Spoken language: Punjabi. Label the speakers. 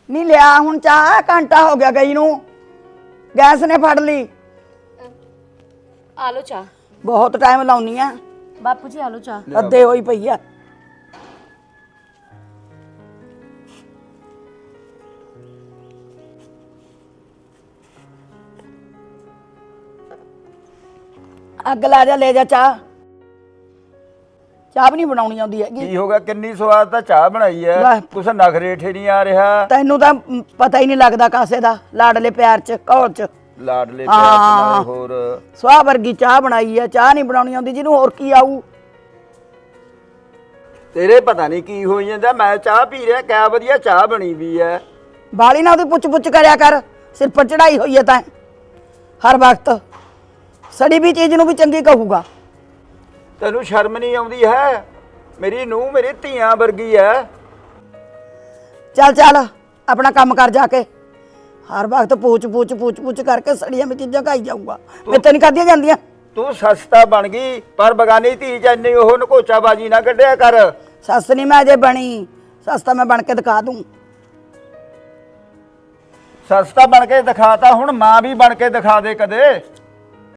Speaker 1: नहीं लिया हुण चाह घंटा हो गया गई नू गैस ने फड़ ली
Speaker 2: आ लो चाह
Speaker 1: बहुत टाइम लाउनी आ
Speaker 2: बापू जी आ लो चाह
Speaker 1: अद्धे होई पई आ अग ला जा ले जा चाह चाह भी नहीं बनाउणी आउंदी हैगी
Speaker 3: ਕੀ ਹੋ ਗਿਆ ਕਿੰਨੀ ਸਵਾਦ ਤਾਂ ਚਾਹ ਬਣਾਈ ਐ
Speaker 1: ਵਾਹ।
Speaker 3: ਕੁਛ ਨਖਰੇ ਠੇ ਨਹੀਂ ਆ ਰਿਹਾ
Speaker 1: ਤੈਨੂੰ ਤਾਂ ਪਤਾ ਹੀ ਨਹੀਂ ਲੱਗਦਾ ਕਾਸੇ ਦਾ ਲਾਡਲੇ ਪਿਆਰ ਚ ਘੋਲ ਚ
Speaker 3: ਲਾਡਲੇ ਪਿਆਰ ਨਾਲ ਹੋਰ
Speaker 1: ਸਵਾਹ ਵਰਗੀ ਚਾਹ ਬਣਾਈ ਆ ਚਾਹ ਨਹੀਂ ਬਣਾਉਣੀ ਆਉਂਦੀ ਜਿਹਨੂੰ ਹੋਰ ਕੀ ਆਊ
Speaker 3: ਤੇਰੇ ਪਤਾ ਨਹੀਂ ਕੀ ਹੋਈ ਜਾਂਦਾ ਮੈਂ ਚਾਹ ਪੀ ਰਿਹਾ ਕਿਆ ਵਧੀਆ ਚਾਹ ਬਣੀ ਵੀ ਐ
Speaker 1: ਬਾਲੀ ਨਾ ਉਹਦੀ ਪੁੱਛ ਪੁੱਛ ਕਰਿਆ ਕਰ ਸਿਰ ਪਰ ਚੜਾਈ ਹੋਈ ਹੈ ਤਾਂ ਹਰ ਵਕਤ ਸੜੀ ਵੀ ਚੀਜ਼ ਨੂੰ ਵੀ ਚੰਗੀ ਕਹੂਗਾ
Speaker 3: ਤੈਨੂੰ ਸ਼ਰਮ ਨਹੀਂ ਆਉਂਦੀ ਹੈ ਮੇਰੀ ਨੂੰਹ ਮੇਰੀ ਧੀਆਂ ਵਰਗੀ ਐ
Speaker 1: ਚੱਲ ਚੱਲ ਆਪਣਾ ਕੰਮ ਕਰ ਜਾ ਕੇ ਹਰ ਵਕਤ ਪੁੱਛ ਕਰਕੇ ਸੜੀਆਂ ਵਿੱਚ ਚੀਜ਼ਾਂ ਖਾਈ ਜਾਊਗਾ ਮੈਂ ਤਾਂ ਨਹੀਂ ਖਾਧੀਆਂ ਜਾਂਦੀਆਂ
Speaker 3: ਤੂੰ ਸਸਤਾ ਬਣ ਗਈ ਪਰ ਬਗਾਨੀ ਧੀ ਚ ਇੰਨੀ ਉਹ ਨਕੋਚਾਬਾਜੀ ਨਾ ਕੱਢਿਆ ਕਰ
Speaker 1: ਸੱਸ ਨਹੀਂ ਮੈਂ ਅਜੇ ਬਣੀ ਸੱਸ ਤਾਂ ਮੈਂ ਬਣ ਕੇ ਦਿਖਾ ਦੂੰ
Speaker 3: ਸਸਤਾ ਬਣ ਕੇ ਦਿਖਾਤਾ ਹੁਣ ਮਾਂ ਵੀ ਬਣ ਕੇ ਦਿਖਾ ਦੇ ਕਦੇ